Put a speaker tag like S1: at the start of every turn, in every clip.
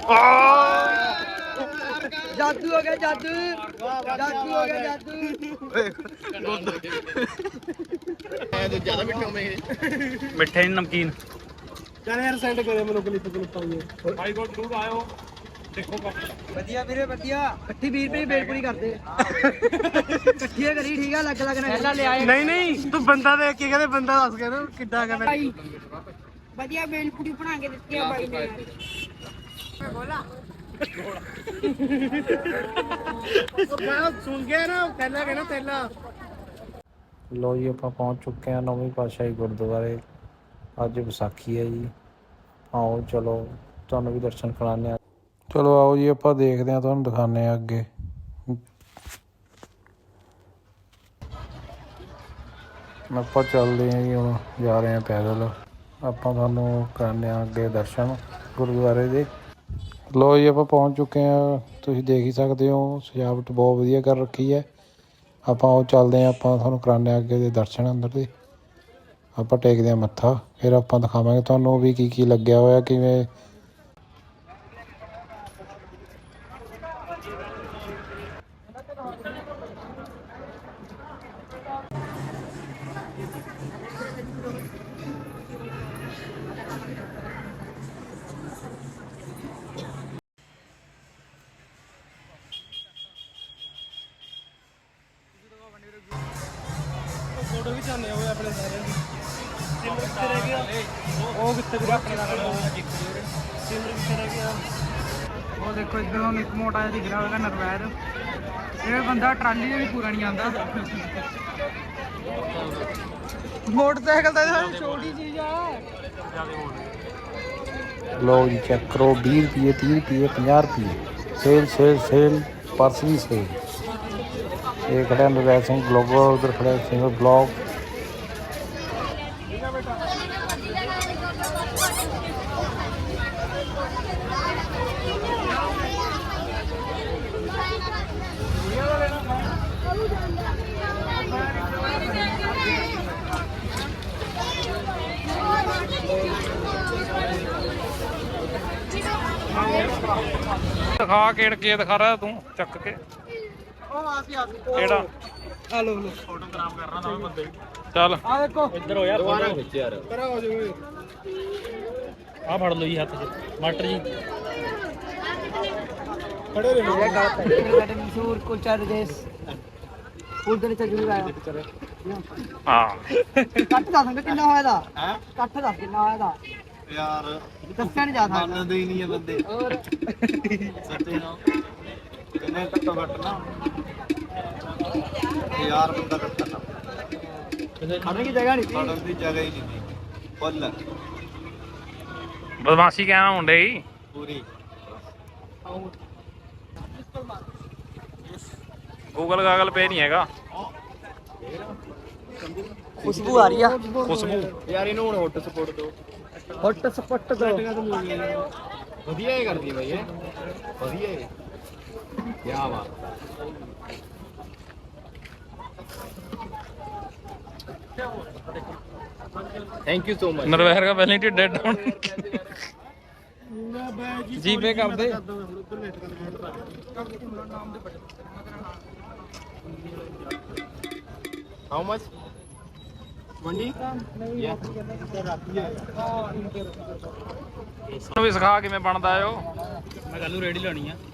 S1: ਜਾਦੂ ਹੋ ਗਿਆ ਜਾਦੂ ਜਾਦੂ ਹੋ ਗਿਆ ਜਾਦੂ
S2: ਜ਼ਿਆਦਾ ਮਿੱਠਾ
S3: ਮਿੱਠੇ ਨਮਕੀਨ
S2: ਚੱਲ ਯਾਰ ਸੈਂਡ ਕਰੇ ਮੈਨੂੰ ਕਲਿੱਪ ਪਾਈਏ
S3: ਭਾਈ ਕੋਲ ਜ਼ਰੂਰ ਆਇਓ ਦੇਖੋ
S1: ਵਧੀਆ ਵੀਰੇ ਵਧੀਆ ਇਕੱਠੀ 20 ਰੁਪਏ ਬੇਲਪੁਰੀ ਕਰਦੇ ਇਕੱਠੀਆਂ ਕਰੀ ਠੀਕ ਆ ਲੱਗ ਲੱਗ ਨਾ ਪਹਿਲਾਂ ਲਿਆਏ
S2: ਨਹੀਂ ਤੂੰ ਬੰਦਾ ਦੇਖ ਕੇ ਕਹਿੰਦੇ ਬੰਦਾ ਦੱਸ ਕੇ ਨਾ ਕਿੱਦਾਂ ਕਹਿੰਦਾ
S1: ਵਧੀਆ ਬੇਲਪੁਰੀ ਬਣਾ ਕੇ ਦਿੱਤੀ ਆ ਬਾਈ ਨੇ ਬੋਲਾ
S2: ਸੁਣ ਗਿਆ ਨਾ ਪਹਿਲਾਂ ਕਹਿੰਦਾ ਤੇਲਾ
S4: ਲੋ ਜੀ ਆਪਾਂ ਪਹੁੰਚ ਚੁੱਕੇ ਹਾਂ ਨੌਵੀਂ ਪਾਤਸ਼ਾਹੀ ਗੁਰਦੁਆਰੇ। ਅੱਜ ਵਿਸਾਖੀ ਹੈ ਜੀ। ਆਓ ਚਲੋ ਤੁਹਾਨੂੰ ਵੀ ਦਰਸ਼ਨ ਕਰਾਉਂਦੇ ਹਾਂ। ਚਲੋ ਆਓ ਜੀ ਆਪਾਂ ਦੇਖਦੇ ਹਾਂ, ਤੁਹਾਨੂੰ ਦਿਖਾਉਂਦੇ ਹਾਂ ਅੱਗੇ। ਆਪਾਂ ਚੱਲਦੇ ਹਾਂ ਜੀ, ਹੁਣ ਜਾ ਰਹੇ ਹਾਂ ਪੈਦਲ। ਆਪਾਂ ਤੁਹਾਨੂੰ ਕਰਾਉਂਦੇ ਹਾਂ ਅੱਗੇ ਦਰਸ਼ਨ ਗੁਰਦੁਆਰੇ ਦੇ। ਲੋ ਜੀ ਆਪਾਂ ਪਹੁੰਚ ਚੁੱਕੇ ਹਾਂ, ਤੁਸੀਂ ਦੇਖ ਹੀ ਸਕਦੇ ਹੋ ਸਜਾਵਟ ਬਹੁਤ ਵਧੀਆ ਕਰ ਰੱਖੀ ਹੈ। ਆਪਾਂ ਉਹ ਚੱਲਦੇ ਹਾਂ, ਆਪਾਂ ਤੁਹਾਨੂੰ ਕਰਾਉਂਦੇ ਹਾਂ ਅੱਗੇ ਦੇ ਦਰਸ਼ਨ ਅੰਦਰ ਦੇ। ਆਪਾਂ ਟੇਕਦੇ ਹਾਂ ਮੱਥਾ, ਫਿਰ ਆਪਾਂ ਦਿਖਾਵਾਂਗੇ ਤੁਹਾਨੂੰ ਵੀ ਕੀ ਲੱਗਿਆ ਹੋਇਆ ਕਿਵੇਂ।
S2: ਫੋਟੋ ਵੀ ਚਾਹਨੇ ਹੋਏ ਆਪਣੇ ਸਾਰਿਆਂ ਦੀ। ਸਿਮਰ ਕਿੱਥੇ ਰਹਿ ਗਿਆ? ਉਹ ਕਿੱਥੇ ਵੀਰੇ ਆਪਣੇ ਨਾਲ ਸਿਮਰ ਕਿੱਥੇ ਰਹਿ ਗਿਆ?
S1: ਉਹ ਦੇਖੋ ਇਧਰੋਂ ਇੱਕ ਮੋਟਾ ਜਿਹਾ ਦਿਖ ਰਿਹਾ ਹੋਵੇਗਾ ਨਰਵੈਰ। ਇਹ ਬੰਦਾ ਟਰਾਲੀ ਦੇ ਵੀ ਪੂਰਾ ਨਹੀਂ ਆਉਂਦਾ। ਮੋਟਰਸਾਈਕਲ ਤਾਂ ਛੋਟੀ ਚੀਜ਼ ਆ।
S4: ਲਓ ਜੀ ਚੈੱਕ ਕਰੋ, 20 ਰੁਪਏ 30 ਰੁਪਏ 50 ਰੁਪਏ ਸੇਲ ਸੇਲ ਸੇਲ, ਪਰਸ ਵੀ ਸੇਲ। ਇਹ ਖੜਾ ਨਰਵੈਰ ਸਿੰਘ ਗਲੋਬਲ, ਉਧਰ ਖੜਾ ਸਿੰਗਰ ਬਲੌਗ।
S3: ਦਿਖਾ ਕੇ ਦਿਖਾ ਰਿਹਾ ਤੂੰ ਚੱਕ ਕੇ ਕਿਹੜਾ
S1: ਆ ਲੋ ਲੋ
S3: ਫੋਟੋ ਖਰਾਬ ਕਰਨਾ ਨਵੇਂ ਬੰਦੇ ਚੱਲ
S1: ਆ ਦੇਖੋ
S3: ਇੱਧਰ ਹੋ ਯਾਰ ਫੋਟੋ ਖਿੱਚ ਯਾਰ
S2: ਕਰਾ ਹੋ ਜਾਵੇ।
S3: ਆ ਫੜ ਲਓ ਜੀ ਹੱਥ 'ਚ ਮਾਸਟਰ ਜੀ।
S2: ਖੜੇ ਰਹੇ
S1: ਇਹ ਗਲਤ ਹੈ। ਸਾਡੇ ਮਸ਼ਹੂਰ ਕੁਲਚਾ ਦੇ ਦੇਸ਼ ਉਧਰ ਤੇ ਜ਼ਰੂਰ ਆਇਆ।
S3: ਹਾਂ
S1: ਕੱਟ ਦੱਸ ਕਿੰਨਾ ਹੋਇਆ ਦਾ ਹੈ? ਕੱਟ ਦੱਸ ਕਿੰਨਾ ਹੋਇਆ ਦਾ
S2: ਯਾਰ,
S1: ਦੱਸਿਆ ਨਹੀਂ ਜਾ ਸਕਦਾ।
S2: ਮੰਨਦੇ ਹੀ ਨਹੀਂ ਇਹ ਬੰਦੇ।
S1: ਹੋਰ
S2: ਸੱਚੇ ਨਾ ਕਿੰਨੇ ਘੱਟੋ ਘੱਟ ਨਾ 1000 ਬੰਦਾ ਇਕੱਠਾ ਨਾ
S1: ਖੜਨ ਦੀ ਜਗ੍ਹਾ ਨਹੀਂ
S2: ਖੜਨ ਦੀ ਜਗ੍ਹਾ ਹੀ ਨਹੀਂ ਸੀ। ਫੁੱਲ
S3: ਬਦਮਾਸ਼ੀ ਕਹਿਣਾ ਮੁੰਡੇ ਜੀ
S2: ਪੂਰੀ।
S3: ਗੂਗਲ ਗਾਗਲ ਪੇ ਨਹੀਂ ਹੈਗਾ।
S1: ਖੁਸ਼ਬੂ ਆ ਰਹੀ ਆ।
S3: ਖੁਸ਼ਬੂ
S2: ਯਾਰ ਇਹਨੂੰ ਹੁਣ ਹੌਟ ਸਪੋਰਟ ਦੋ।
S1: ਹੌਟ ਸਪੱਟ ਦੋ।
S2: ਵਧੀਆ ਹੀ ਕਰਦੀ ਬਾਈ ਇਹ, ਵਧੀਆ ਹੀ। ਕੀ ਬਾਤ। Thank you so much.
S3: Narvair ਦਾ ਪਹਿਲਾਂ ਹੀ ਡੈਡ ਡਾਊਨ ਜੀਪੇ ਕਰ ਦੇ।
S2: ਹਾਊ ਮਚ ਮੰਡੀ?
S3: ਸਾਨੂੰ ਵੀ ਸਿਖਾ ਕਿਵੇਂ ਬਣਦਾ ਓ। ਮੈਂ ਕੱਲ ਨੂੰ ਰੇੜੀ ਲਾਣੀ ਆ।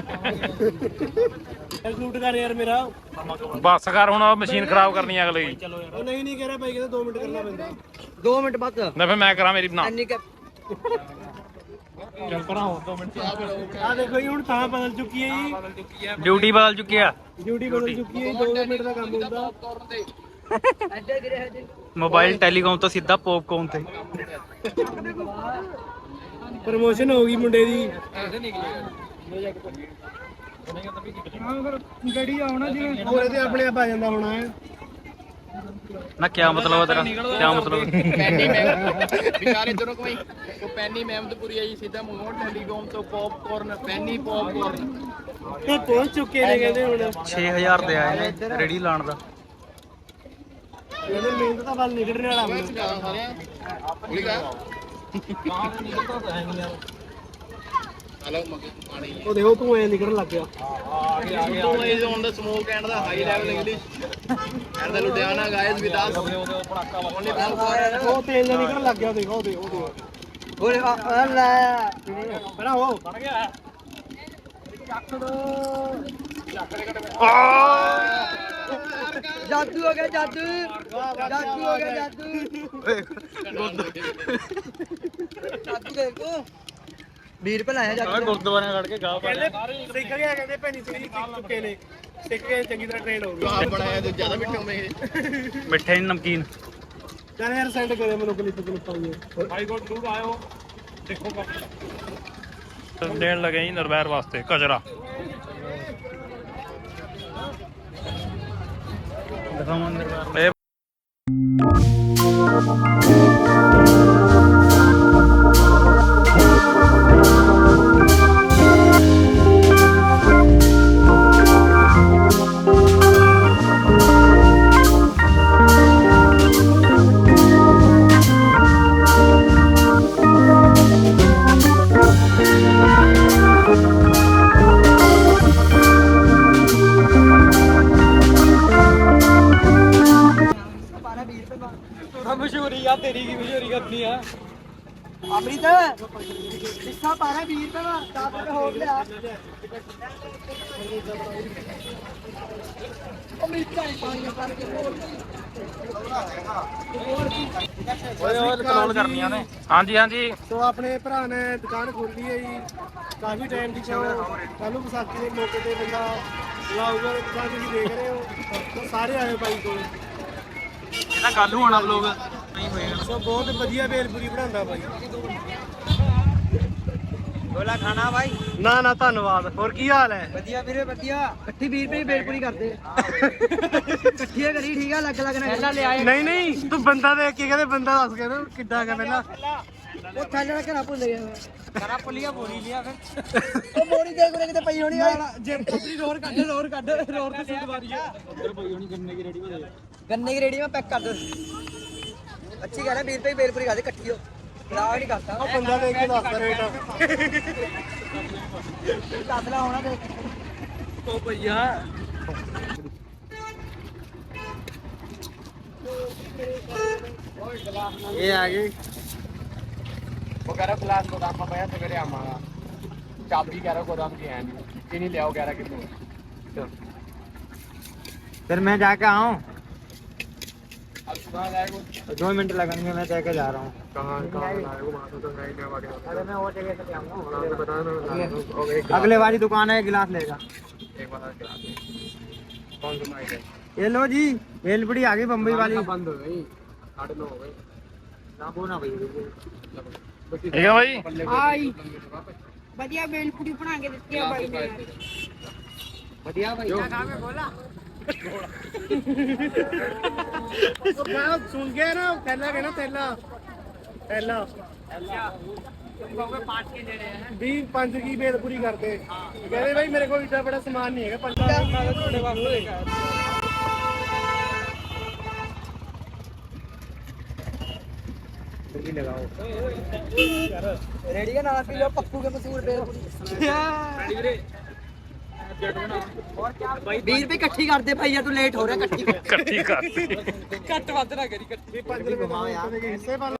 S2: ਸ਼ੂਟ ਕਰ ਯਾਰ ਮੇਰਾ।
S3: ਬੱਸ ਕਰ ਹੁਣ, ਮਸ਼ੀਨ ਖਰਾਬ ਕਰਨੀ ਆ ਅਗਲੇ ਦੀ।
S2: ਉਹ ਨਹੀਂ ਕਹਿ ਰਿਹਾ ਭਾਈ, ਕਹਿੰਦਾ 2 ਮਿੰਟ ਕਰਨਾ ਪੈਂਦਾ।
S1: 2 ਮਿੰਟ ਬਾਅਦ
S3: ਨਾ ਫਿਰ ਮੈਂ ਕਰਾਂ ਮੇਰੀ ਬਣਾ।
S1: ਇੰਨੀ ਕ
S3: ਚੱਲ ਕਰਾਂ ਹੋਰ 2 ਮਿੰਟ।
S2: ਆ ਦੇਖੋ ਜੀ, ਹੁਣ ਤਾਂ ਬਦਲ ਚੁੱਕੀ ਹੈ ਜੀ।
S3: ਡਿਊਟੀ ਬਦਲ ਚੁੱਕੀ ਆ।
S2: ਡਿਊਟੀ ਬਦਲ ਚੁੱਕੀ ਹੈ। 2 ਮਿੰਟ ਦਾ ਕੰਮ ਹੁੰਦਾ।
S3: ਮੋਬਾਈਲ ਟੈਲੀਕਾਮ ਤੋਂ ਸਿੱਧਾ ਪੌਪਕੌਰਨ ਤੇ।
S2: ਪ੍ਰਮੋਸ਼ਨ ਹੋ ਗਈ ਮੁੰਡੇ ਦੀ।
S1: ਗੱਡੀ ਆਉਣਾ ਜਿਵੇਂ
S2: ਹੋਰ ਇਹਦੇ ਆਪਣੇ ਆਪ ਆ ਜਾਂਦਾ ਹੋਣਾ ਹੈ।
S3: ਨਾ ਕੀ ਮਤਲਬ ਤੇਰਾ? ਕੀ ਮਤਲਬ?
S5: ਪੈਨੀ ਮੈਮ ਵਿਚਾਰੇ ਦੋਨੋਂ ਕੋਈ ਉਹ ਪੈਨੀ ਮਹਿਮਦਪੁਰੀ ਆਈ ਸਿੱਧਾ ਮੋੜ ਟੈਲੀਕਾਮ ਤੋਂ ਪੌਪਕੌਰਨ ਪੈਨੀ ਪੌਪਕੌਰਨ
S2: ਇਹ ਪਹੁੰਚ ਚੁੱਕੇ ਨੇ ਕਹਿੰਦੇ ਹੁਣ।
S3: 6000 ਦੇ ਆਏ ਨੇ ਰੇੜੀ ਲਾਣ ਦਾ।
S2: ਇਹਦੇ ਮਿਹਨਤ ਦਾ ਫਲ ਨਿਕਲਣ ਵਾਲਾ ਮੈਨੂੰ।
S5: ਸਾਰਿਆਂ ਹਲੋ ਪਾਣੀ
S2: ਉਹ ਦੇਖੋ ਤੂੰ ਐ ਨਿਕਲਣ ਲੱਗ ਗਿਆ
S5: ਤੋਂ is on the smoke and the high level English and the Ludhiana guys with us only
S2: ਉਹ ਤੇਲ ਜਿਹਾ ਨਿਕਲਣ ਲੱਗ ਗਿਆ ਦੇਖੋ ਉਹ
S1: ਓਏ ਆ ਲੈ
S2: ਪਹਿਲਾਂ ਉਹ ਬਣ ਗਿਆ
S1: ਜਾਦੂ ਹੋ ਗਿਆ ਜਾਦੂ ਜਾਦੂ ਹੋ ਗਿਆ ਜਾਦੂ ਜਾਦੂ ਦੇਖੋ 20 ਰੁਪਏ ਲਾਇਆ ਜਾਦੂ
S3: ਗੁਰਦੁਆਰੇ ਖੜ ਕੇ ਗਾ
S2: ਕਹਿੰਦੇ ਸਿੱਖ ਗਿਆ ਕਹਿੰਦੇ ਭੈਣੀ ਸਿੰਘ ਜੀ ਸਿੱਖ ਚੁੱਕੇ ਨੇ ਸਿੱਖ ਕੇ ਚੰਗੀ ਤਰ੍ਹਾਂ ਟ੍ਰੇਨ ਹੋ ਗਏ
S5: ਆਪ ਬਣਾਇਆ ਤੇ ਜ਼ਿਆਦਾ ਮਿੱਠੇ ਹੋਵੇ ਇਹ
S3: ਮਿੱਠੇ ਨਮਕੀਨ
S2: ਚੱਲ ਯਾਰ ਸੈਂਡ ਕਰਿਓ ਮੈਨੂੰ ਕਲਿੱਪ ਆਈਏ ਭਾਈ ਕੋਲ ਜ਼ਰੂਰ ਆਇਓ ਦੇਖੋ
S3: ਦੇਣ ਲੱਗੇ ਜੀ ਨਰਵੈਰ ਵਾਸਤੇ ਕਚਰਾ ਦਿਖਾਵਾਂ ਨਰਵੈਰ
S2: ਮਸ਼ਹੂਰੀ ਆ ਤੇਰੀ ਕੀ ਮਸ਼ਹੂਰੀ ਕਰਨੀ ਆ
S1: ਅਮਰੀਤ ਹਿੱਸਾ ਪਾਣਾ 20 ਰੁਪਏ ਦਾ 10 ਰੁਪਏ ਹੋਰ ਲਿਆ ਅਮਰੀਤ ਦਾ ਪਾਣੀ ਕਰਕੇ
S3: ਓਏ ਕਲੋਲ ਕਰਨੀਆਂ ਨੇ ਹਾਂਜੀ ਹਾਂਜੀ
S2: ਸੋ ਆਪਣੇ ਭਰਾ ਨੇ ਦੁਕਾਨ ਖੋਲੀ ਹੈ ਜੀ ਕਾਫੀ ਟਾਈਮ ਦੀ ਸ਼ੋ ਕੱਲ ਨੂੰ ਵਿਸਾਖੀ ਦੇ ਮੌਕੇ ਤੇ ਬੰਦਾ ਲਾਊਗਾ ਦੁਕਾਨ ਤੁਸੀਂ ਦੇਖ ਰਹੇ ਹੋ ਤਾਂ ਸਾਰੇ ਆਏ ਬਾਈ ਕੋਲ
S3: ਇਹਦਾ ਕੱਲ ਨੂੰ ਆਣਾ ਵਲੋਗ ਨਹੀਂ ਹੋਏਗਾ
S2: ਸੋ ਬਹੁਤ ਵਧੀਆ ਬੇਲਪੂਰੀ ਬਣਾਉਂਦਾ ਬਾਈ
S1: ਗੋਲਾ ਖਾਣਾ ਭਾਈ
S2: ਨਾ ਨਾ ਧੰਨਵਾਦ ਹੋਰ ਕੀ ਹਾਲ ਹੈ
S1: ਵਧੀਆ ਵੀਰੇ ਵਧੀਆ ਇਕੱਠੀ 20 ਰੁਪਏ ਦੀ ਬੇਲਪੂਰੀ ਕਰਦੇ ਇਕੱਠੀਆਂ ਕਰੀ ਠੀਕ ਆ ਲੱਗ ਲੱਗ ਨਾ ਪਹਿਲਾਂ ਲਿਆ
S2: ਨਹੀਂ ਨਹੀਂ ਤੂੰ ਬੰਦਾ ਦੇਖ ਕੇ ਕਹਿੰਦੇ ਬੰਦਾ ਦੱਸ ਕੇ ਨਾ ਕਿੱਦਾਂ ਹੈਗਾ ਪਹਿਲਾਂ
S1: ਉਹ ਥੱਲੇ ਦਾ ਘਰਾ ਭੁੱਲ ਗਿਆ
S2: ਕਰਾ ਪੁਲੀਆ ਬੋਲੀ ਲਿਆ ਫਿਰ
S1: ਉਹ ਮੋੜੀ ਦੇ ਕੋਲੇ ਕਿਤੇ ਪਈ ਹੋਣੀ ਆ
S2: ਜੇ ਪੱਤਰੀ ਰੋਰ ਕੱਢ ਰੋਰ ਤੇ ਸੁੱਟ ਮਾਰੀ ਆ
S1: ਗੰਨੇ ਦੀ ਰੇੜੀ ਮੈਂ ਪੈਕ ਕਰ ਦੋ ਅੱਛੀ ਗੱਲ ਹੈ 20 ਰੁਪਏ ਦੀ ਬੇਲਪੂਰੀ ਕਰਦੇ ਇਕੱਠੀ ਹੋ ਖਰਾਬ ਨਹੀਂ ਕਰਤਾ
S2: ਉਹ ਬੰਦਾ ਦੇਖ ਕੇ ਦੱਸਦਾ ਰੇਟ
S1: ਕਾਸਲਾ ਹੋਣਾ ਦੇਖ
S2: ਉਹ ਭਈਆ
S1: ਇਹ ਆ ਗਈ
S5: ਉਹ ਕਹ ਰਿਹਾ ਗਲਾਸ ਗੋਦਾਮ में पया सवेरे आवांगा चाबी कह रहा गोदाम की है नहीं चीनी ले आओ कह रहा कितने
S1: फिर मैं जाके आऊँ
S5: अब सुबह जाएगा
S1: 2 मिनट लगेंगे मैं तय के जा रहा हूँ
S5: कहाँ लाएगा वहाँ तो नहीं लेवा
S1: अरे मैं वो जगह से आऊँगा
S5: बताना
S1: अगले वाली दुकान है गिलास लेगा
S5: एक बार गिलास कौन सा माइक है
S1: ये लो जी भेलपुरी आ गई बम्बई वाली
S5: बंद हो गई 8:30 हो गई
S1: ना बोना भाई
S3: ਠੀਕ ਹੈ ਬਾਈ
S6: ਆਈ ਵਧੀਆ ਬੇਲਪੂਰੀ ਬਣਾ ਕੇ ਦਿੱਤੀ ਆ ਬਾਈ ਨੇ
S1: बढ़िया भाई क्या खावे बोला
S2: ਮੈਂ ਸੁਣ ਗਿਆ ਨਾ ਥੈਲਾ ਕਹਿਣਾ ਥੈਲਾ 5 ਕੀ ਬੇਲਪੂਰੀ ਕਰਦੇ ਕਹਿੰਦੇ ਬਾਈ ਮੇਰੇ ਕੋਲ ਇੱਡਾ ਬੜਾ ਸਮਾਨ ਨਹੀਂ ਹੈਗਾ 5
S1: रेडी का नाम पी लो पप्पू के मशहूर भेलपुरी 20 रुपए इकट्ठी कर दे भैया तू लेट हो रहा है इकट्ठी
S3: ਇਕੱਠੀ ਕਰ
S2: ਘੱਟ ਵੱਧ ਨਾ ਕਰੀ ਇਕੱਠੀ 5 ਰੁਪਏ ਦਾ ਹਿੱਸੇ ਪਾ